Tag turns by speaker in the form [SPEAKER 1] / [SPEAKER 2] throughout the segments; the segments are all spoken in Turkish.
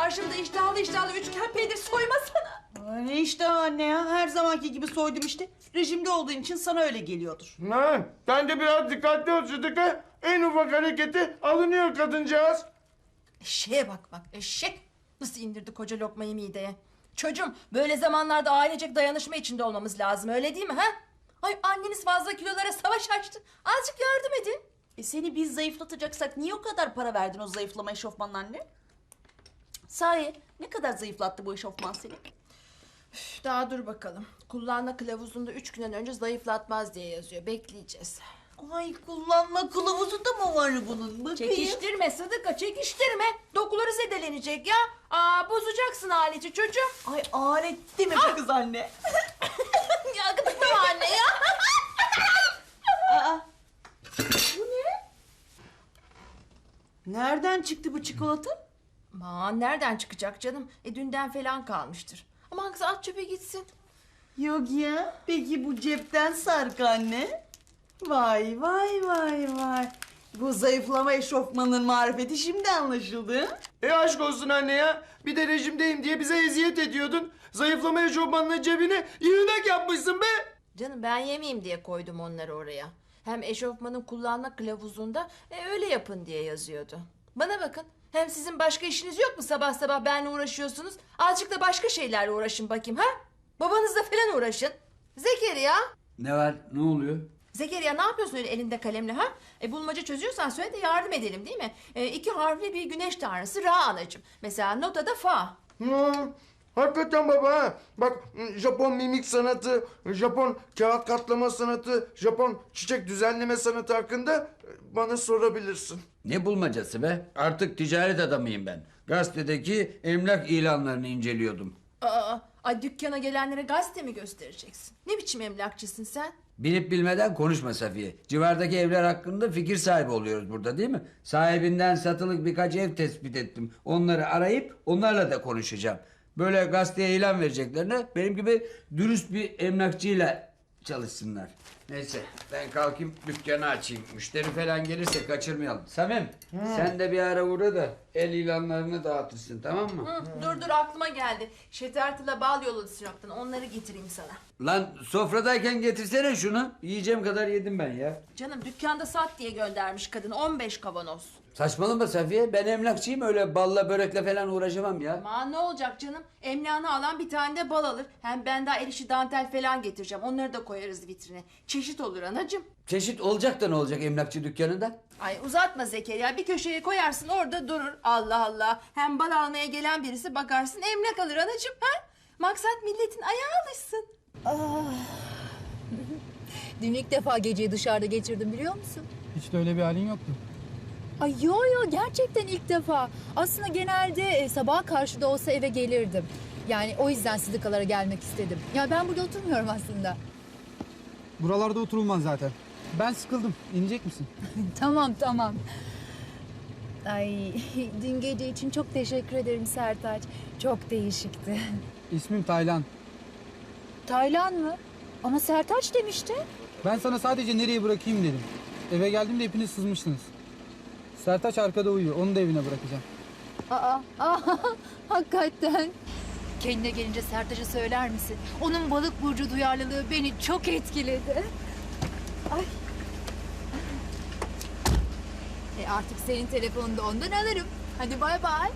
[SPEAKER 1] karşımda iştahlı iştahlı üçgen peynir soymasana.
[SPEAKER 2] Ay ne işte anne ya, her zamanki gibi soydum işte. Rejimde olduğun için sana öyle geliyordur.
[SPEAKER 3] Ha, sen de biraz dikkatli ol Sıdıka. En ufak hareketi alınıyor kadıncağız.
[SPEAKER 1] Eşeğe bak eşek. Nasıl indirdi koca lokmayı mideye. Çocuğum, böyle zamanlarda ailecek dayanışma içinde olmamız lazım, öyle değil mi ha? Ay, anneniz fazla kilolara savaş açtı. Azıcık yardım edin.
[SPEAKER 2] Seni biz zayıflatacaksak niye o kadar para verdin o zayıflama eşofmanına anne? Sahi ne kadar zayıflattı bu eşofman seni?
[SPEAKER 1] Üf, daha dur bakalım. Kullanma kılavuzunda 3 günden önce zayıflatmaz diye yazıyor. Bekleyeceğiz.
[SPEAKER 2] Ay kullanma kılavuzunda mı var bunun? Bakayım.
[SPEAKER 1] Çekiştirme Sıdıka, çekiştirme. Dokuları zedelenecek ya. Bozacaksın aleti çocuğum.
[SPEAKER 2] Ay alet değil mi bu kız anne?
[SPEAKER 1] Ya gıdıklama anne ya.
[SPEAKER 2] Aa, bu ne? Nereden çıktı bu çikolata?
[SPEAKER 1] Aman nereden çıkacak canım? Dünden falan kalmıştır. Aman kız, at çöpe gitsin.
[SPEAKER 2] Yok ya. Peki bu cepten sark anne. Vay vay vay vay. Bu zayıflama eşofmanın marifeti şimdi anlaşıldı.
[SPEAKER 3] Aşk olsun anne ya. Bir de rejimdeyim diye bize eziyet ediyordun. Zayıflama eşofmanının cebine yığınak yapmışsın be.
[SPEAKER 1] Canım, ben yemeyeyim diye koydum onları oraya. Hem eşofmanın kullanma kılavuzunda öyle yapın diye yazıyordu. Bana bakın. Hem sizin başka işiniz yok mu, sabah sabah benimle uğraşıyorsunuz? Azıcık da başka şeylerle uğraşın bakayım ha? Babanızla falan uğraşın. Zekeriya.
[SPEAKER 4] Ne var? Ne oluyor?
[SPEAKER 1] Zekeriya, ne yapıyorsun öyle elinde kalemle ha? Bulmaca çözüyorsan söyle de yardım edelim, değil mi? 2 harfli bir güneş tanrısı Ra anacığım. Mesela notada fa.
[SPEAKER 3] Hakikaten baba ha. Bak, Japon mimik sanatı, Japon kağıt katlama sanatı, Japon çiçek düzenleme sanatı hakkında bana sorabilirsin.
[SPEAKER 4] Ne bulmacası be? Artık ticaret adamıyım ben. Gazetedeki emlak ilanlarını inceliyordum.
[SPEAKER 1] Ay, dükkana gelenlere gazete mi göstereceksin? Ne biçim emlakçısın sen?
[SPEAKER 4] Bilip bilmeden konuşma Safiye. Civardaki evler hakkında fikir sahibi oluyoruz burada, değil mi? Sahibinden satılık birkaç ev tespit ettim. Onları arayıp onlarla da konuşacağım. Böyle gazeteye ilan vereceklerine benim gibi dürüst bir emlakçıyla çalışsınlar. Neyse, ben kalkayım dükkanı açayım. Müşteri falan gelirse kaçırmayalım. Samim, sen de bir ara uğra da el ilanlarını dağıtırsın, tamam mı?
[SPEAKER 1] Dur aklıma geldi. Şetertila bal yolladı Sinop'tan, onları getireyim sana.
[SPEAKER 4] Lan sofradayken getirsene şunu. Yiyeceğim kadar yedim ben ya.
[SPEAKER 1] Canım, dükkanda sat diye göndermiş kadın 15 kavanoz.
[SPEAKER 4] Saçmalama Safiye. Ben emlakçıyım, öyle balla börekle falan uğraşamam ya.
[SPEAKER 1] Aman ne olacak canım? Emlakını alan bir tane de bal alır. Hem ben daha el işi dantel falan getireceğim. Onları da koyarız vitrine. Çeşit olur anacığım.
[SPEAKER 4] Çeşit olacak da ne olacak emlakçı dükkanında?
[SPEAKER 1] Ay uzatma Zekeriya. Bir köşeye koyarsın, orada durur. Allah Allah. Hem bal almaya gelen birisi bakarsın emlak alır anacığım. Ha? Maksat milletin ayağı alışsın.
[SPEAKER 5] Dün ilk defa geceyi dışarıda geçirdim, biliyor musun?
[SPEAKER 6] Hiç de öyle bir halin yoktu.
[SPEAKER 5] Ay yo gerçekten ilk defa. Aslında genelde sabaha karşı da olsa eve gelirdim. Yani o yüzden Sıdıkalara gelmek istedim. Ya ben burada oturmuyorum aslında.
[SPEAKER 6] Buralarda oturulmaz zaten. Ben sıkıldım. İnecek misin?
[SPEAKER 5] Tamam. Ay dün gece için çok teşekkür ederim Sertaç. Çok değişikti.
[SPEAKER 6] İsmim Taylan.
[SPEAKER 5] Taylan mı? Ama Sertaç demişti.
[SPEAKER 6] Ben sana sadece nereye bırakayım dedim. Eve geldiğimde hepiniz sızmıştınız. Sertaç arkada uyuyor. Onu da evine bırakacağım.
[SPEAKER 5] Hakikaten. Kendine gelince Sertaç'a söyler misin? Onun balık burcu duyarlılığı beni çok etkiledi. Ay. Artık senin telefonunu da ondan alırım. Hadi bay bay.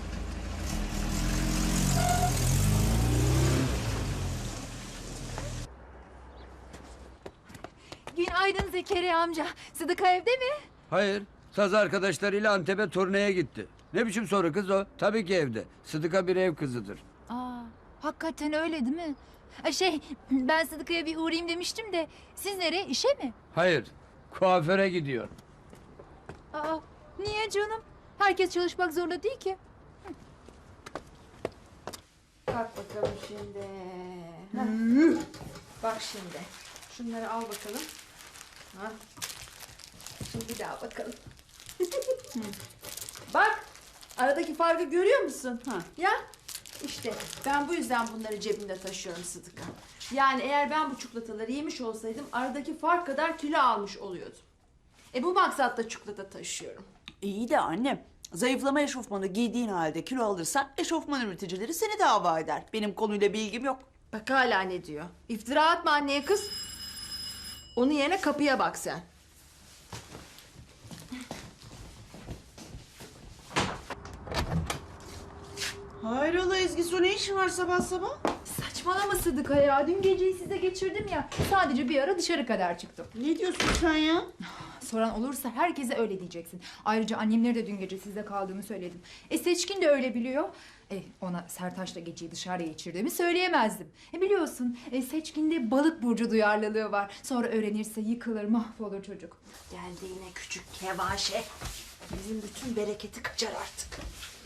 [SPEAKER 5] Günaydın Zekeriya amca. Sıdıka evde mi?
[SPEAKER 4] Hayır. Saz arkadaşlarıyla Antep'e turneye gitti. Ne biçim soru kız o? Tabii ki evde. Sıdıka bir ev kızıdır.
[SPEAKER 5] Hakikaten öyle değil mi? Ben Sıdıka'ya bir uğrayayım demiştim de siz nereye, işe mi?
[SPEAKER 4] Hayır. Kuaföre gidiyor.
[SPEAKER 5] Niye canım? Herkes çalışmak zorunda değil ki.
[SPEAKER 1] Kalk bakalım şimdi. Bak şimdi. Şunları al bakalım. Şimdi bir daha bakalım. Bak. Aradaki farkı görüyor musun? Ya işte ben bu yüzden bunları cebimde taşıyorum Sıdıka. Yani eğer ben bu çikolataları yemiş olsaydım aradaki fark kadar kilo almış oluyordum. Bu maksatla çikolata taşıyorum.
[SPEAKER 2] İyi de anne, Zayıflama eşofmanı giydiğin halde kilo alırsan eşofman üreticileri seni dava eder. Benim konuyla bilgim yok.
[SPEAKER 1] Bak hala ne diyor. İftira atma anneye kız. Onun yerine kapıya bak sen.
[SPEAKER 2] Hayrola Ezgi Su, ne işin var sabah sabah?
[SPEAKER 5] Saçmalama Sıdıka ya. Dün geceyi size geçirdim ya. Sadece bir ara dışarı kadar çıktım.
[SPEAKER 2] Ne diyorsun sen ya?
[SPEAKER 5] Soran olursa herkese öyle diyeceksin. Ayrıca annemlere de dün gece sizde kaldığımı söyledim. Seçkin de öyle biliyor. Ona Sertaç'la geceyi dışarıda geçirdiğimi söyleyemezdim. Biliyorsun Seçkin'de balık burcu duyarlılığı var. Sonra öğrenirse yıkılır, mahvolur çocuk.
[SPEAKER 1] Geldi yine küçük kevaşe. Bizim bütün bereketi kaçar artık.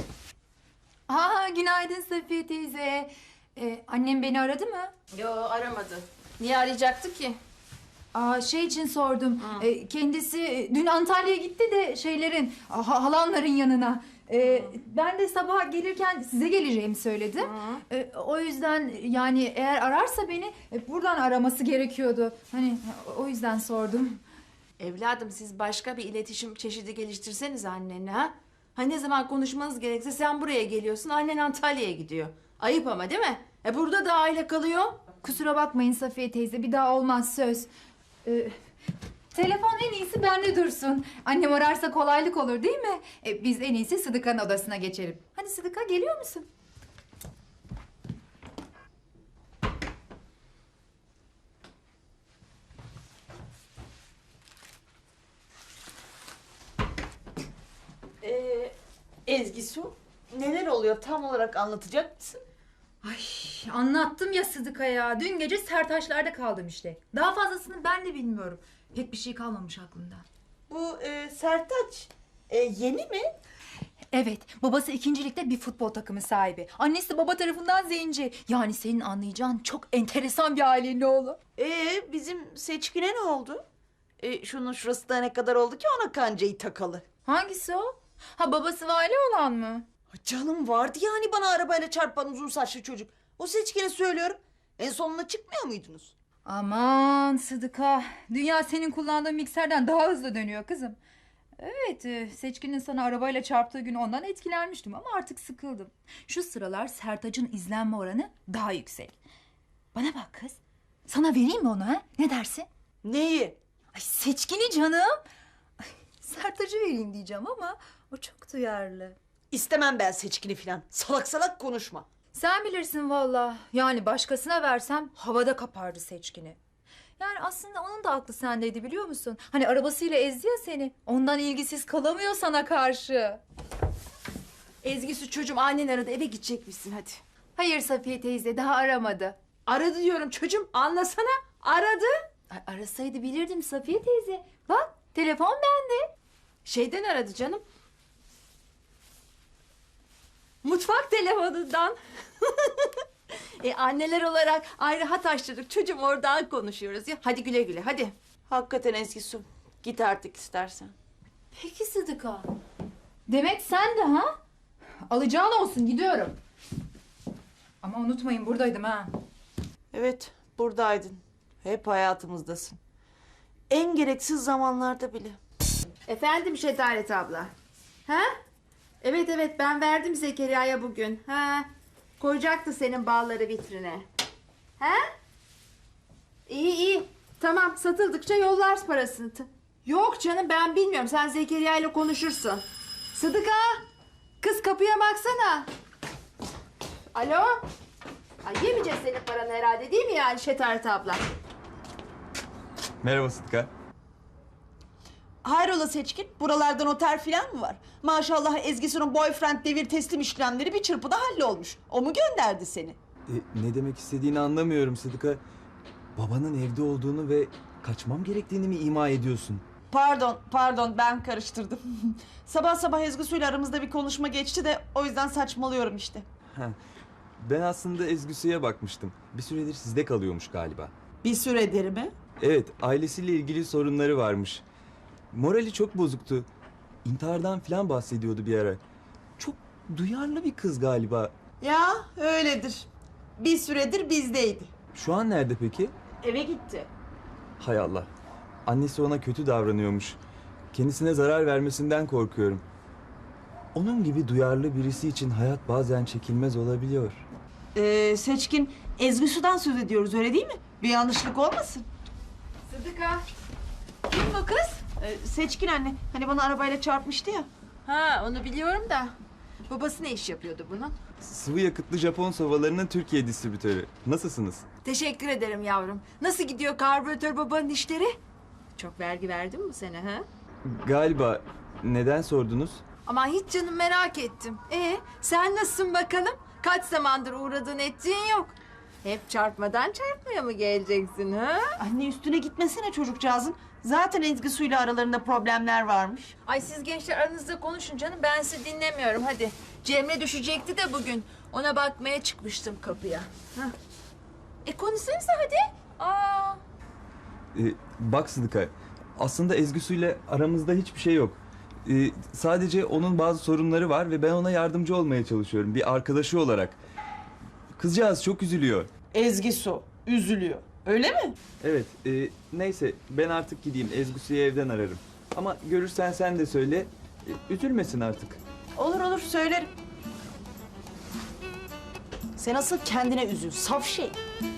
[SPEAKER 5] Günaydın Safiye teyze. Annem beni aradı mı?
[SPEAKER 1] Yo, aramadı. Niye arayacaktı ki?
[SPEAKER 5] Şey için sordum. Kendisi dün Antalya'ya gitti de halanların yanına. Ben de sabah gelirken size geleceğimi söyledim. O yüzden yani eğer ararsa beni buradan araması gerekiyordu. Hani o yüzden sordum.
[SPEAKER 1] Evladım, siz başka bir iletişim çeşidi geliştirseniz annene, ha? Ha, ne zaman konuşmanız gerekse sen buraya geliyorsun, annen Antalya'ya gidiyor. Ayıp ama, değil mi? Burada da aile kalıyor.
[SPEAKER 5] Kusura bakmayın Safiye teyze, bir daha olmaz söz. Telefon en iyisi bende dursun. Annem ararsa kolaylık olur değil mi? Biz en iyisi Sıdıka'nın odasına geçelim. Hadi Sıdıka, geliyor musun?
[SPEAKER 2] Ezgi Su, neler oluyor tam olarak anlatacak mısın?
[SPEAKER 5] Ay, anlattım ya Sıdıka ya. Dün gece Sertaçlar'da kaldım işte. Daha fazlasını ben de bilmiyorum. Pek bir şey kalmamış aklımda.
[SPEAKER 2] Bu Sertaç yeni mi?
[SPEAKER 5] Evet, babası ikincilikte bir futbol takımı sahibi. Annesi baba tarafından zenci. Yani senin anlayacağın çok enteresan bir ailenin oğlu.
[SPEAKER 2] Bizim Seçkin'e ne oldu? Şunun şurası da ne kadar oldu ki ona kancayı takalı?
[SPEAKER 5] Hangisi o? Ha, babası vali olan mı?
[SPEAKER 2] Canım, vardı yani bana arabayla çarpan uzun saçlı çocuk. O Seçkin'e söylüyorum. En sonuna çıkmıyor muydunuz?
[SPEAKER 5] Aman Sıdıka, dünya senin kullandığın mikserden daha hızlı dönüyor kızım. Evet, Seçkin'in sana arabayla çarptığı gün ondan etkilenmiştim ama artık sıkıldım. Şu sıralar Sertaç'ın izlenme oranı daha yüksek. Bana bak kız, sana vereyim mi onu ha? Ne dersin?
[SPEAKER 2] Neyi?
[SPEAKER 5] Ay, Seçkin'i canım. Ay, Sertaç'ı vereyim diyeceğim ama o çok duyarlı.
[SPEAKER 2] İstemem ben Seçkin'i filan. Salak salak konuşma.
[SPEAKER 5] Sen bilirsin valla. Yani başkasına versem havada kapardı Seçkin'i. Yani aslında onun da aklı sendeydi, biliyor musun? Hani arabasıyla ezdi ya seni. Ondan ilgisiz kalamıyor sana karşı.
[SPEAKER 1] Ezgi, çocuğum, annen aradı, eve gidecekmişsin hadi.
[SPEAKER 5] Hayır Safiye teyze, daha aramadı.
[SPEAKER 1] Aradı diyorum çocuğum, anlasana. Aradı.
[SPEAKER 5] Ay, arasaydı bilirdim Safiye teyze. Bak, telefon bende.
[SPEAKER 1] Şeyden aradı canım. Mutfak telefonundan. Anneler olarak ayrı hat açtırdık. Çocuğum, oradan konuşuyoruz ya. Hadi güle güle, hadi.
[SPEAKER 2] Hakikaten Ezgi Su. Git artık istersen.
[SPEAKER 5] Peki Sıdıka. Demek sen de ha? Alacağın olsun, gidiyorum. Ama unutmayın, buradaydım ha.
[SPEAKER 2] Evet, buradaydın. Hep hayatımızdasın. En gereksiz zamanlarda bile.
[SPEAKER 1] Efendim Şetaret abla. Ha? Evet, ben verdim Zekeriya'ya bugün. Ha? Koyacaktı senin balları vitrine. Ha? İyi. Tamam, satıldıkça yollarsın parasını. Yok canım, ben bilmiyorum. Sen Zekeriya ile konuşursun. Sıdıka! Kız, kapıya baksana. Alo? Ay, yemeyeceğiz senin paranı herhalde, değil mi yani Şetaret abla?
[SPEAKER 7] Merhaba Sıtkı.
[SPEAKER 2] Hayrola Seçkin? Buralarda noter filan mı var? Maşallah Ezgi Su'nun boyfriend devir teslim işlemleri bir çırpıda hallolmuş. O mu gönderdi seni?
[SPEAKER 7] Ne demek istediğini anlamıyorum Sıdıka. Babanın evde olduğunu ve kaçmam gerektiğini mi ima ediyorsun?
[SPEAKER 2] Pardon, ben karıştırdım. Sabah sabah Ezgi Su'yla aramızda bir konuşma geçti de o yüzden saçmalıyorum işte.
[SPEAKER 7] Ben aslında Ezgüsü'ye bakmıştım. Bir süredir sizde kalıyormuş galiba.
[SPEAKER 2] Bir süredir mi?
[SPEAKER 7] Evet, ailesiyle ilgili sorunları varmış. Morali çok bozuktu. İntihardan falan bahsediyordu bir ara. Çok duyarlı bir kız galiba.
[SPEAKER 2] Ya öyledir. Bir süredir bizdeydi.
[SPEAKER 7] Şu an nerede peki?
[SPEAKER 2] Eve gitti.
[SPEAKER 7] Hay Allah. Annesi ona kötü davranıyormuş. Kendisine zarar vermesinden korkuyorum. Onun gibi duyarlı birisi için hayat bazen çekilmez olabiliyor.
[SPEAKER 2] Seçkin, Ezgi Su'dan söz ediyoruz öyle değil mi? Bir yanlışlık olmasın.
[SPEAKER 1] Sıdıka. Kim bu kız?
[SPEAKER 2] Seçkin anne, hani bana arabayla çarpmıştı ya.
[SPEAKER 1] Ha, onu biliyorum da. Babası ne iş yapıyordu bunun?
[SPEAKER 7] Sıvı yakıtlı Japon sobalarının Türkiye distribütörü. Nasılsınız?
[SPEAKER 1] Teşekkür ederim yavrum. Nasıl gidiyor karbüratör babanın işleri? Çok vergi verdin mi bu sene ha?
[SPEAKER 7] Galiba. Neden sordunuz?
[SPEAKER 1] Aman hiç canım merak ettim. Sen nasılsın bakalım? Kaç zamandır uğradığın ettiğin yok. Hep çarpmadan çarpmaya mı geleceksin ha?
[SPEAKER 2] Anne üstüne gitmesine çocukcağızın. Zaten Ezgi Su'yla aralarında problemler varmış.
[SPEAKER 1] Ay siz gençler aranızda konuşun canım. Ben sizi dinlemiyorum hadi. Cemre düşecekti de bugün. Ona bakmaya çıkmıştım kapıya. Hah. Konuşsanıza hadi. Aa.
[SPEAKER 7] Bak Sıdıka, aslında Ezgi Su'yla aramızda hiçbir şey yok. Sadece onun bazı sorunları var ve ben ona yardımcı olmaya çalışıyorum bir arkadaşı olarak. Kızcağız çok üzülüyor.
[SPEAKER 2] Ezgi Su üzülüyor. Öyle mi?
[SPEAKER 7] Evet, neyse ben artık gideyim. Ezgi Su'yu evden ararım. Ama görürsen sen de söyle, üzülmesin artık.
[SPEAKER 2] Olur olur söylerim. Sen asıl kendine üzül. Saf şey.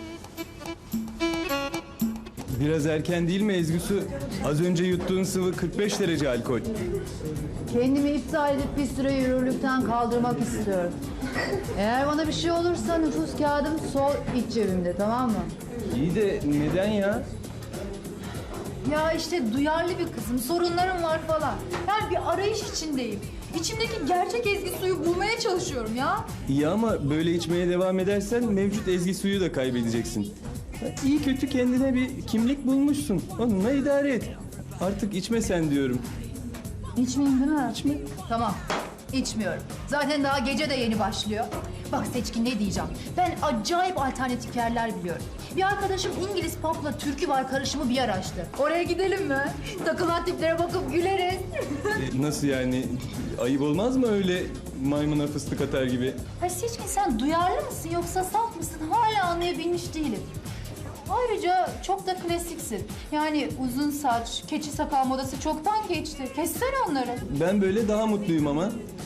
[SPEAKER 7] Biraz erken değil mi Ezgi Su? Az önce yuttuğun sıvı 45 derece alkol.
[SPEAKER 5] Kendimi iptal edip bir süre yürürlükten kaldırmak istiyorum. Eğer bana bir şey olursa nüfus kağıdım sol iç cebimde, tamam mı?
[SPEAKER 7] İyi de neden ya?
[SPEAKER 5] Ya işte duyarlı bir kızım, sorunlarım var falan. Yani bir arayış içindeyim. İçimdeki gerçek Ezgi Su'yu bulmaya çalışıyorum ya.
[SPEAKER 7] İyi ama böyle içmeye devam edersen mevcut Ezgi Su'yu da kaybedeceksin. İyi kötü kendine bir kimlik bulmuşsun. Onunla idare et. Artık içme sen diyorum.
[SPEAKER 5] İçmeyeyim değil mi?
[SPEAKER 7] İçme.
[SPEAKER 5] Tamam, içmiyorum. Zaten daha gece de yeni başlıyor. Bak Seçkin, ne diyeceğim? Ben acayip alternatif yerler biliyorum. Bir arkadaşım İngiliz pop'la türkü var karışımı bir yer açtı. Oraya gidelim mi? Takılan tiplere bakıp güleriz.
[SPEAKER 7] Nasıl yani? Ayıp olmaz mı öyle maymuna fıstık atar gibi?
[SPEAKER 5] Ha Seçkin, sen duyarlı mısın yoksa saf mısın? Hala anlayabilmiş değilim. Ayrıca çok da klasiksin. Yani uzun saç, keçi sakal modası çoktan geçti. Kessene onları.
[SPEAKER 7] Ben böyle daha mutluyum ama.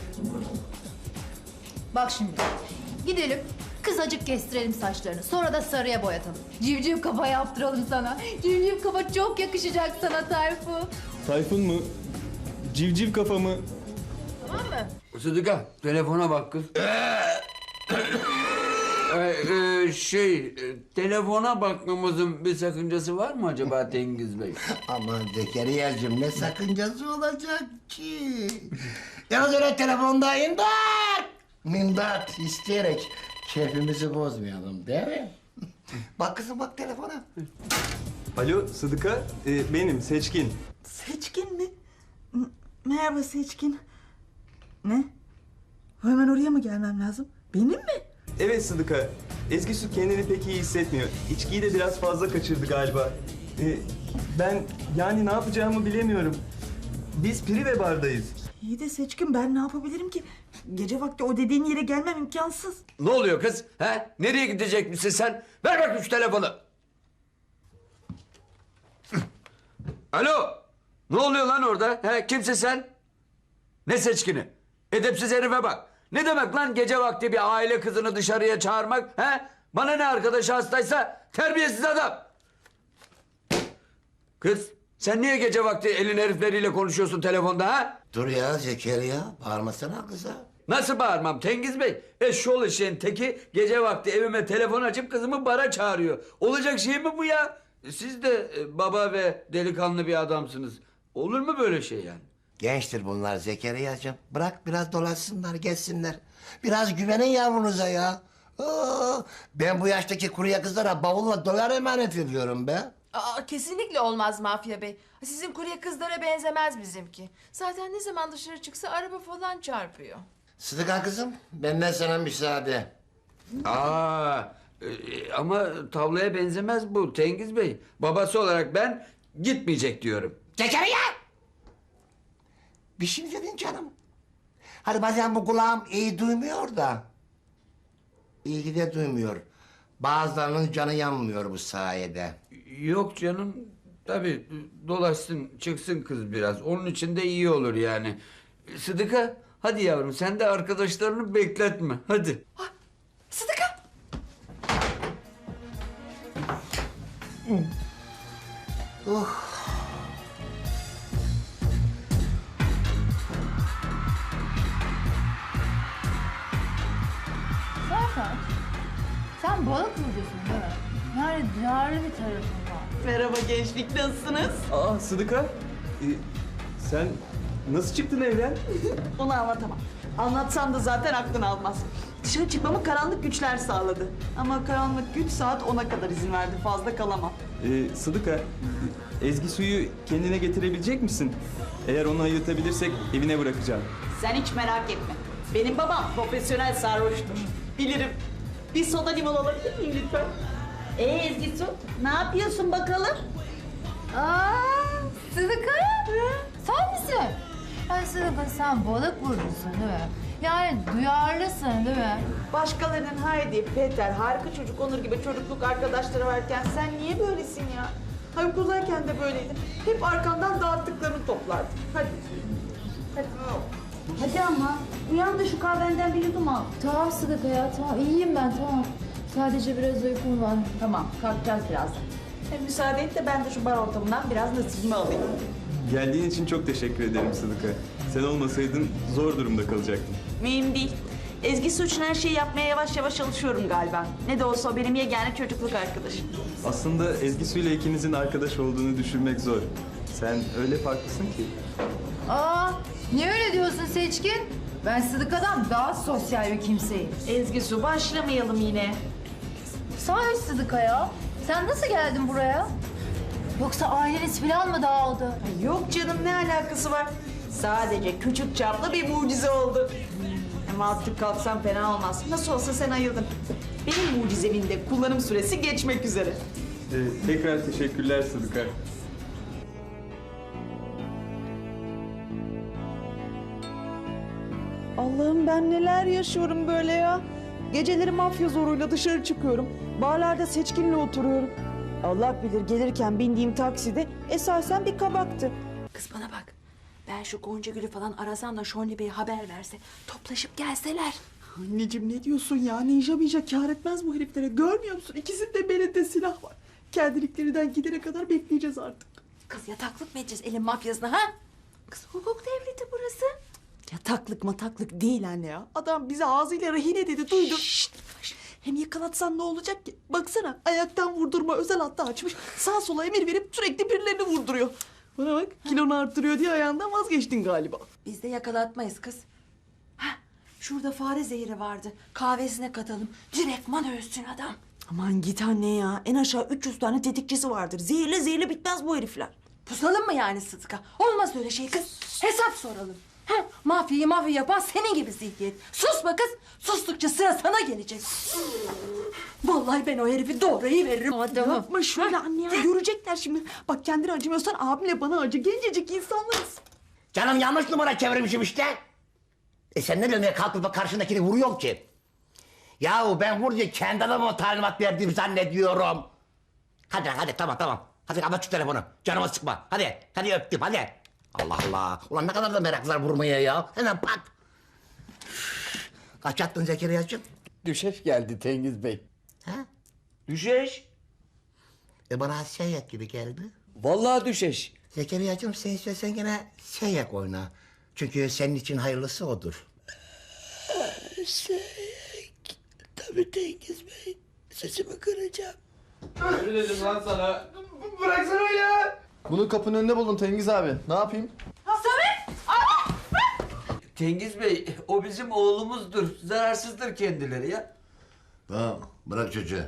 [SPEAKER 5] Bak şimdi, gidelim kısacık kestirelim saçlarını. Sonra da sarıya boyatalım. Civciv kafa yaptıralım sana. Civciv kafa çok yakışacak sana Tayfun.
[SPEAKER 7] Tayfun mu? Civciv kafa mı?
[SPEAKER 1] Tamam mı?
[SPEAKER 4] Sıdıka telefona bak kız. Telefona bakmamızın bir sakıncası var mı acaba Tengiz Bey?
[SPEAKER 8] Aman Zekeriya'cığım ne sakıncası olacak ki? Yalnız öyle telefonda imdat isteyerek keyfimizi bozmayalım değil mi? Bak kızım bak telefona.
[SPEAKER 7] Alo Sıdıka, benim Seçkin.
[SPEAKER 2] Seçkin mi? Merhaba Seçkin. Ne? Hemen oraya mı gelmem lazım? Benim mi?
[SPEAKER 7] Evet Sıdıka, Ezgi Su kendini pek iyi hissetmiyor. İçkiyi de biraz fazla kaçırdı galiba. Ben yani ne yapacağımı bilemiyorum. Biz Prive bardayız.
[SPEAKER 2] İyi de Seçkin, ben ne yapabilirim ki? Gece vakti o dediğin yere gelmem imkansız.
[SPEAKER 4] Ne oluyor kız? He? Nereye gidecek misin sen? Ver bakayım şu telefonu. Alo. Ne oluyor lan orada? He? Kimsin sen? Ne Seçkini? Edepsiz herife bak. Ne demek lan gece vakti bir aile kızını dışarıya çağırmak? He? Bana ne arkadaşı hastaysa terbiyesiz adam. Kız sen niye gece vakti elin herifleriyle konuşuyorsun telefonda ha?
[SPEAKER 8] Dur ya Zekeriya bağırmasana kıza.
[SPEAKER 4] Nasıl bağırmam Tengiz Bey? Eşşoğlu şeyin teki gece vakti evime telefon açıp kızımı bara çağırıyor. Olacak şey mi bu ya? Siz de baba ve delikanlı bir adamsınız. Olur mu böyle şey yani?
[SPEAKER 8] Gençtir bunlar Zekeriya'cığım. Bırak biraz dolaşsınlar gezsinler. Biraz güvenin yavrunuza ya. Ben bu yaştaki kuruya kızlara bavulla dolar emanet ediyorum be.
[SPEAKER 1] Aa, kesinlikle olmaz Mafya Bey. Sizin kurye kızlara benzemez bizimki. Zaten ne zaman dışarı çıksa araba falan çarpıyor.
[SPEAKER 8] Sıdıka kızım benden sana müsaade.
[SPEAKER 4] Ama tavlaya benzemez bu Tengiz Bey. Babası olarak ben gitmeyecek diyorum.
[SPEAKER 8] Zekeriya! Bir şey mi dedin canım? Hani bazen bu kulağım iyi duymuyor da. İyi de duymuyor. Bazılarının canı yanmıyor bu sayede.
[SPEAKER 4] Yok canım. Tabii dolaşsın çıksın kız biraz. Onun için de iyi olur yani. Sıdıka Hadi yavrum sen de arkadaşlarını bekletme. Hadi.
[SPEAKER 1] Sıdıka.
[SPEAKER 5] Zaten sen balık burcusun değil mi? Yani duyarlı bir tarafın var.
[SPEAKER 2] Merhaba gençlik, nasılsınız?
[SPEAKER 7] Aa Sıdıka. Sen nasıl çıktın evden?
[SPEAKER 2] Onu anlatamam. Anlatsam da zaten aklın almaz. Dışarı çıkmamı karanlık güçler sağladı. Ama karanlık güç saat 10'a kadar izin verdi. Fazla kalamam.
[SPEAKER 7] Sıdıka, Ezgi suyu kendine getirebilecek misin? Eğer onu ayıltabilirsek evine bırakacağım.
[SPEAKER 2] Sen hiç merak etme. Benim babam profesyonel sarhoştur. Bilirim. Bir soda limon alabilir miyim lütfen? Ezgi Su, ne yapıyorsun bakalım?
[SPEAKER 5] Aa, Sıdıka. Sen misin? Ay Sıdıka sen balık burcusun değil mi? Yani duyarlısın değil mi?
[SPEAKER 2] Başkalarının Haydi, Peter, harika çocuk Onur gibi çocukluk arkadaşları varken sen niye böylesin ya? Haluk uzayken de böyleydin. Hep arkandan dağıttıklarını toplardın. Hadi.
[SPEAKER 9] Hadi ama uyan da şu kahvenden bir yudum al.
[SPEAKER 5] Tamam Sıdıka ya tamam iyiyim ben tamam. Sadece biraz uykum var.
[SPEAKER 2] Tamam, kalkacağız birazdan. Müsaade et de ben de şu bar ortamından biraz nasibimi alayım.
[SPEAKER 7] Geldiğin için çok teşekkür ederim Sıdıka. Sen olmasaydın zor durumda kalacaktım.
[SPEAKER 2] Mühim değil. Ezgi Su için her şeyi yapmaya yavaş yavaş çalışıyorum galiba. Ne de olsa o benim yegane çocukluk arkadaşım.
[SPEAKER 7] Aslında Ezgi Su ile ikinizin arkadaş olduğunu düşünmek zor. Sen öyle farklısın ki.
[SPEAKER 5] Aa, niye öyle diyorsun Seçkin? Ben Sıdıka'dan daha sosyal bir kimseyim.
[SPEAKER 2] Ezgi Su başlamayalım yine.
[SPEAKER 5] Sahi Sıdıka ya. Sen nasıl geldin buraya? Yoksa aileniz falan mı dağıldı?
[SPEAKER 2] Ay yok canım ne alakası var? Sadece küçük çaplı bir mucize oldu. Ama artık kalksam fena olmaz. Nasıl olsa sen ayıldın. Benim mucizemin de kullanım süresi geçmek üzere.
[SPEAKER 7] Tekrar teşekkürler Sıdıka.
[SPEAKER 2] Allah'ım ben neler yaşıyorum böyle ya. Geceleri mafya zoruyla dışarı çıkıyorum. Barlarda Seçkin'le oturuyorum. Allah bilir gelirken bindiğim takside esasen bir kabaktı.
[SPEAKER 1] Kız bana bak. Ben şu Gonca Gül'ü falan arasam da Şonli Bey'e haber verse. Toplaşıp gelseler.
[SPEAKER 2] Anneciğim ne diyorsun ya? Ninja kâr etmez bu heriflere. Görmüyor musun? İkisinin belinde silah var. Kendiliklerinden gidene kadar bekleyeceğiz artık.
[SPEAKER 1] Kız yataklık mı edeceğiz elin mafyasına ha? Kız hukuk devleti burası.
[SPEAKER 2] Yataklık mataklık değil anne ya. Adam bize ağzıyla rehine dedi duydun. Hem yakalatsan ne olacak ki? Baksana ayaktan vurdurma özel hattı açmış. Sağ sola emir verip sürekli birilerini vurduruyor. Bana bak kilonu arttırıyor diye ayağından vazgeçtin galiba.
[SPEAKER 1] Biz de yakalatmayız kız. Hah, şurada fare zehri vardı. Kahvesine katalım. Direktman ölsün adam.
[SPEAKER 2] Aman git anne ya. En aşağı 300 tane tetikçisi vardır. Zehirle bitmez bu herifler.
[SPEAKER 1] Pusalım mı yani Sıdıka? Olmaz öyle şey kız. Hesap soralım. Ha, mafyayı yapan senin gibi zihniyet. Sus be kız. Sustukça sıra sana gelecek. Vallahi ben o herifi doğrayı veririm. Adamım.
[SPEAKER 2] Yapma şöyle anne ya. Görecekler şimdi. Bak kendine acımıyorsan abimle bana acı. Gencecik insanlarız.
[SPEAKER 8] Canım yanlış numara çevirmişim işte. Sen ne demeye kalkıp da karşındakini vuruyorsun ki? Yahu ben vurunca kendi adamıma talimat verdiğimi zannediyorum. Hadi tamam. Hadi kapat şu telefonu. Canıma sıkma. Hadi öptüm hadi. Allah Allah. Ulan ne kadar da meraklılar vurmaya ya. Hemen pat. Kaç attın Zekeriya'cığım?
[SPEAKER 4] Düşeş geldi Tengiz Bey.
[SPEAKER 8] Ha?
[SPEAKER 4] Düşeş.
[SPEAKER 8] Bana seyyek gibi geldi.
[SPEAKER 4] Vallahi düşeş.
[SPEAKER 8] Zekeriya'cığım sen istersen gene seyyek oyna. Çünkü senin için hayırlısı odur. Seyyek. Tabii Tengiz Bey. Sesimi kıracağım.
[SPEAKER 6] Ne dedim lan sana?
[SPEAKER 3] Bıraksana ya.
[SPEAKER 6] Bunu kapının önünde buldum Tengiz abi. Ne yapayım?
[SPEAKER 4] Tengiz Bey o bizim oğlumuzdur. Zararsızdır kendileri ya.
[SPEAKER 8] Tamam bırak çocuğu.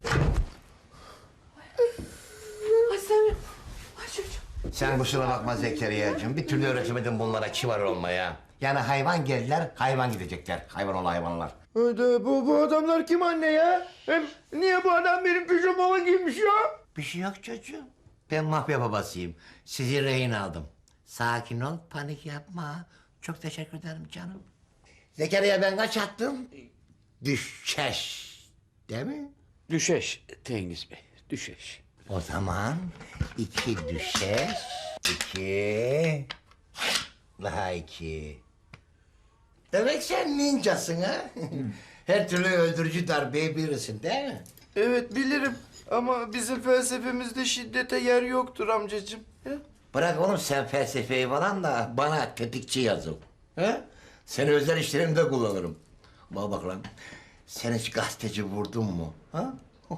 [SPEAKER 1] Ay Samim. Ay çocuğum.
[SPEAKER 8] Sen kusura bakma Zekeriya'cığım. Bir türlü öğretemedim bunlara kibar olmaya. Yani hayvan geldiler, hayvan gidecekler. Hayvan ol hayvanlar.
[SPEAKER 3] Hadi bu adamlar kim anne ya? Hem niye bu adam benim pijamama giymiş ya?
[SPEAKER 8] Bir şey yok çocuğum. Ben mafya babasıyım. Sizi rehin aldım. Sakin ol, panik yapma. Çok teşekkür ederim canım. Zekeriya ben kaç attım? Düşeş. Değil mi?
[SPEAKER 4] Düşeş Tengiz Bey. Düşeş.
[SPEAKER 8] O zaman 2 düşeş, 2... Daha 2... Demek sen ninjasın ha? Her türlü öldürücü darbeyi bilirsin değil mi?
[SPEAKER 3] Evet bilirim ama bizim felsefemizde şiddete yer yoktur amcacığım. He?
[SPEAKER 8] Bırak oğlum sen felsefeyi falan da bana tetikçi yazın. He? Seni özel işlerimde kullanırım. Bak lan. Sen hiç gazeteci vurdun mu? Ha?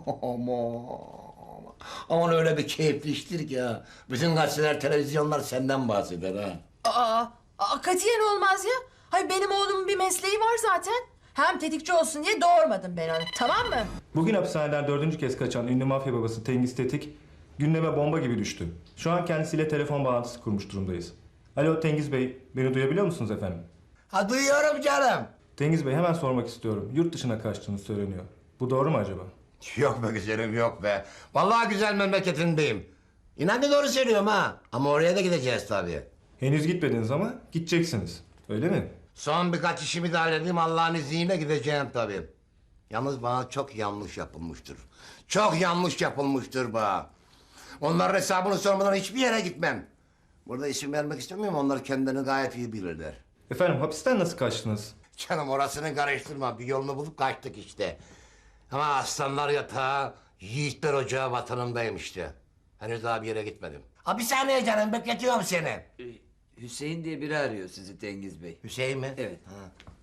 [SPEAKER 8] Aman öyle bir keyifli iştir ki ha. Bütün gazeteler, televizyonlar senden bahseder ha.
[SPEAKER 1] Katiyen olmaz ya. Hayır benim oğlumun bir mesleği var zaten. Hem tetikçi olsun diye doğurmadım ben onu. Tamam mı?
[SPEAKER 10] Bugün hapishaneden 4. kez kaçan ünlü mafya babası Tengiz Tetik gündeme bomba gibi düştü. Şu an kendisiyle telefon bağlantısı kurmuş durumdayız. Alo Tengiz Bey, beni duyabiliyor musunuz efendim?
[SPEAKER 8] Ha duyuyorum canım.
[SPEAKER 10] Tengiz Bey hemen sormak istiyorum. Yurt dışına kaçtığınız söyleniyor. Bu doğru mu acaba?
[SPEAKER 8] Yok be güzelim yok be. Vallahi güzel memleketindeyim. İnan ki doğru söylüyorum ha. Ama oraya da gideceğiz tabii.
[SPEAKER 10] Henüz gitmediniz ama gideceksiniz. Öyle mi?
[SPEAKER 8] Son birkaç işimi de halledeyim Allah'ın izniyle gideceğim tabii. Yalnız bana çok yanlış yapılmıştır. Çok yanlış yapılmıştır bana. Onların hesabını sormadan hiçbir yere gitmem. Burada isim vermek istemiyorum. Onlar kendilerini gayet iyi bilirler.
[SPEAKER 10] Efendim hapisten nasıl kaçtınız?
[SPEAKER 8] Canım orasını karıştırma. Bir yolunu bulup kaçtık işte. Ama aslanlar yatağı, yiğitler ocağı vatanımdayım işte. Henüz daha bir yere gitmedim. Ha bir saniye canım bekletiyorum seni.
[SPEAKER 4] Hüseyin diye biri arıyor sizi Tengiz Bey.
[SPEAKER 8] Hüseyin mi?
[SPEAKER 4] Evet.
[SPEAKER 8] Ha.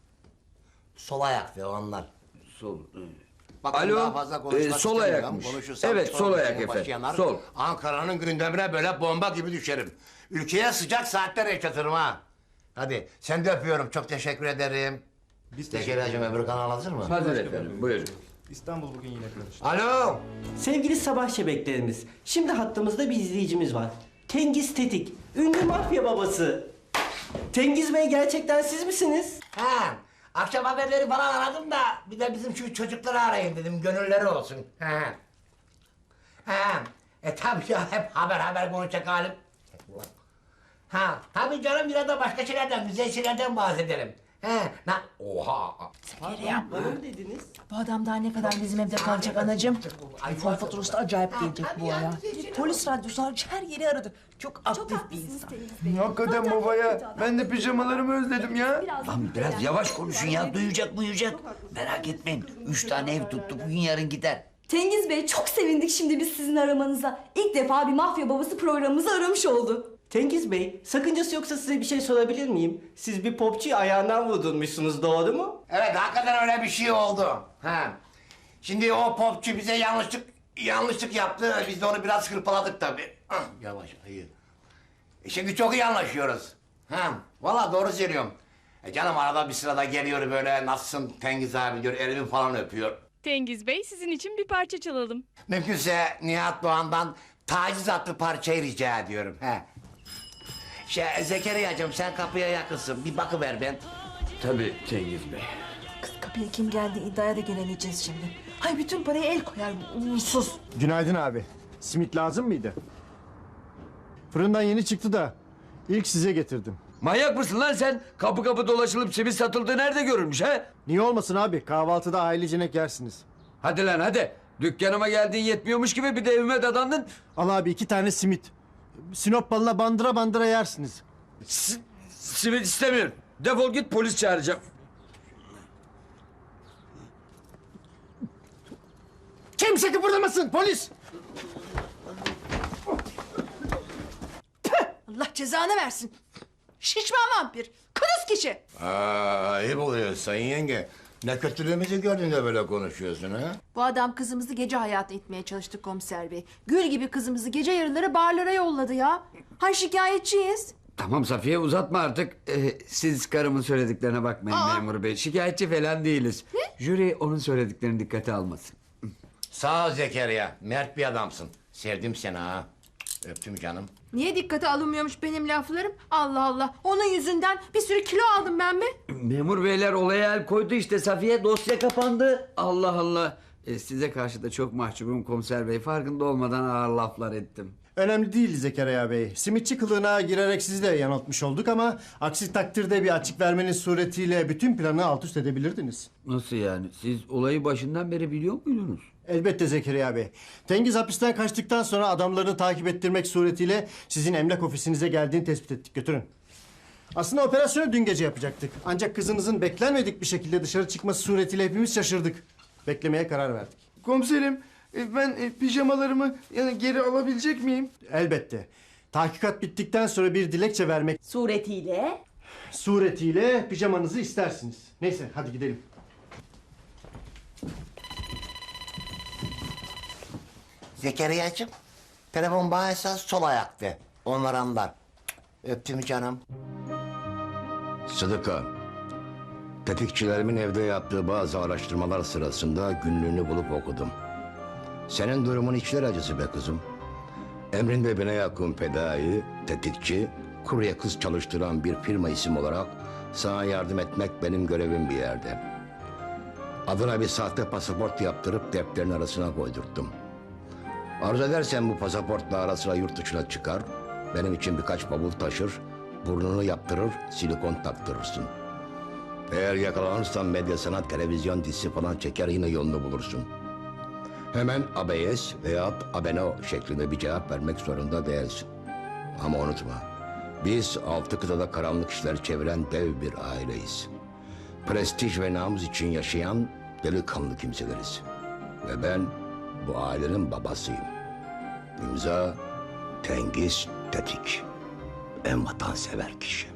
[SPEAKER 8] Sol ayak ve onlar.
[SPEAKER 4] Sol.
[SPEAKER 8] Bakın
[SPEAKER 4] Alo,
[SPEAKER 8] daha fazla konuşmak
[SPEAKER 4] sol
[SPEAKER 8] istemiyorum.
[SPEAKER 4] ayakmış.
[SPEAKER 8] Konuşursam
[SPEAKER 4] Evet,
[SPEAKER 8] sonra
[SPEAKER 4] sol ayak
[SPEAKER 8] senin başı
[SPEAKER 4] efendim.
[SPEAKER 8] yanar.
[SPEAKER 4] Sol.
[SPEAKER 8] Ankara'nın gündemine böyle bomba gibi düşerim. Ülkeye sıcak saatler yaşatırım ha. Hadi sen de öpüyorum. Çok teşekkür ederim.
[SPEAKER 10] Biz
[SPEAKER 8] Zekeriya'cığım öbür kanal hazır mı?
[SPEAKER 4] Hazır efendim, buyurun.
[SPEAKER 10] İstanbul bugün yine karıştı.
[SPEAKER 8] Alo.
[SPEAKER 11] Sevgili sabah şebeklerimiz, şimdi hattımızda bir izleyicimiz var. Tengiz Tetik, ünlü mafya babası. Tengiz Bey gerçekten siz misiniz?
[SPEAKER 8] Ha. Akşam haberleri falan aradım da bir de bizim şu çocukları arayayım dedim. Gönülleri olsun. Ha. Ha. Tabii ya hep haber konuşacak halim. Ha. Tabii canım biraz da başka şeylerden, güzel şeylerden bahsedelim. He. Oha.
[SPEAKER 11] Bana mı dediniz?
[SPEAKER 1] Bu adam daha ne kadar bizim evde kalacak anacığım?
[SPEAKER 2] iPhone faturası da acayip gelecek bu ara. Polis radyosu hariç her yeri aradı. Çok aktif bir insan.
[SPEAKER 3] Hakikaten baba ya. Ben de pijamalarımı özledim ya.
[SPEAKER 4] Lan biraz yavaş konuşun ya, duyacak. Merak etmeyin, 3 tane ev tuttuk, bugün yarın gider.
[SPEAKER 9] Tengiz Bey çok sevindik şimdi biz sizin aramanıza. İlk defa bir mafya babası programımızı aramış oldu.
[SPEAKER 11] Tengiz Bey, sakıncası yoksa size bir şey sorabilir miyim? Siz bir popçuyu ayağından vurdurmuşsunuz, doğru mu?
[SPEAKER 8] Evet hakikaten öyle bir şey oldu. Ha. Şimdi o popçu bize yanlışlık yaptı. Biz de onu biraz hırpaladık tabii. Ah, yavaş hayır. Şimdi çok iyi anlaşıyoruz. Ha. Vallahi doğru söylüyorum. Canım arada bir sırada geliyor böyle nasılsın Tengiz abi diyor elimi falan öpüyor.
[SPEAKER 12] Tengiz Bey sizin için bir parça çalalım.
[SPEAKER 8] Mümkünse Nihat Doğan'dan taciz adlı parçayı rica ediyorum. He. Zekeriya'cığım sen kapıya yakınsın. Bir bakıver ben.
[SPEAKER 4] Tabii Tengiz Bey.
[SPEAKER 2] Kız kapıya kim geldi iddiaya da gelemeyeceğiz şimdi. Hay bütün parayı el koyar bu uğursuz.
[SPEAKER 13] Günaydın abi. Simit lazım mıydı? Fırından yeni çıktı da ilk size getirdim.
[SPEAKER 4] Manyak mısın lan sen? Kapı kapı dolaşılıp simit satıldığı nerede görülmüş ha?
[SPEAKER 13] Niye olmasın abi? Kahvaltıda ailecenek yersiniz.
[SPEAKER 4] Hadi lan hadi. Dükkanıma geldiğin yetmiyormuş gibi bir de evime dadandın.
[SPEAKER 13] Al abi 2 tane simit. Sinop balına bandıra bandıra yersiniz.
[SPEAKER 4] Simit istemiyorum. Defol git, polis çağıracağım.
[SPEAKER 13] Kimse kıpırdamasın polis!
[SPEAKER 1] Allah cezanı versin. Şişman vampir. Kırız kişi.
[SPEAKER 8] Ayıp oluyor sayın yenge. Ne kötülüğümüzü gördün de böyle konuşuyorsun ha?
[SPEAKER 1] Bu adam kızımızı gece hayatı etmeye çalıştı komiser bey. Gül gibi kızımızı gece yarıları barlara yolladı ya. Hay şikayetçiyiz.
[SPEAKER 4] Tamam Safiye, uzatma artık. Siz karımın söylediklerine bakmayın memur bey. Şikayetçi falan değiliz. Jüri onun söylediklerini dikkate almasın.
[SPEAKER 8] Sağ ol Zekeriya. Mert bir adamsın. Sevdim seni ha. Öptüm canım.
[SPEAKER 1] Niye dikkate alınmıyormuş benim laflarım? Allah Allah. Onun yüzünden bir sürü kilo aldım ben mi?
[SPEAKER 4] Memur beyler olaya el koydu işte Safiye, dosya kapandı. Allah Allah. Size karşı da çok mahcubum komiser bey. Farkında olmadan ağır laflar ettim.
[SPEAKER 13] Önemli değil Zekeriya Bey. Simitçi kılığına girerek sizi de yanıltmış olduk ama aksi takdirde bir açık vermeniz suretiyle bütün planı alt üst edebilirdiniz.
[SPEAKER 4] Nasıl yani? Siz olayı başından beri biliyor muydunuz?
[SPEAKER 13] Elbette Zekeriya Bey. Tengiz hapisten kaçtıktan sonra adamlarını takip ettirmek suretiyle sizin emlak ofisinize geldiğini tespit ettik. Götürün. Aslında operasyonu dün gece yapacaktık. Ancak kızınızın beklenmedik bir şekilde dışarı çıkması suretiyle hepimiz şaşırdık. Beklemeye karar verdik.
[SPEAKER 3] Komiserim ben pijamalarımı yani geri alabilecek miyim?
[SPEAKER 13] Elbette. Tahkikat bittikten sonra bir dilekçe vermek suretiyle pijamanızı istersiniz. Neyse hadi gidelim.
[SPEAKER 8] Zekeriya'cığım, telefon bana esas sol ayaktı. Onlar anlar. Öptüm canım.
[SPEAKER 14] Sıdıka, tetikçilerimin evde yaptığı bazı araştırmalar sırasında günlüğünü bulup okudum. Senin durumun içler acısı be kızım. Emrinde bine yakın fedai, tetikçi, kurye kız çalıştıran bir firma isim olarak sana yardım etmek benim görevim bir yerde. Adına bir sahte pasaport yaptırıp defterin arasına koydurttum. Arzu edersen bu pasaportla ara sıra yurt dışına çıkar, benim için birkaç bavul taşır, burnunu yaptırır, silikon taktırırsın. Eğer yakalanırsan medya, sanat, televizyon dizisi falan çeker yine yolunu bulursun. Hemen ABS veya abeno şeklinde bir cevap vermek zorunda değilsin. Ama unutma, biz 6 kıtada karanlık işler çeviren dev bir aileyiz. Prestij ve namus için yaşayan delikanlı kimseleriz. Ve ben bu ailenin babasıyım. İmza Tengiz Tetik. En vatansever kişi.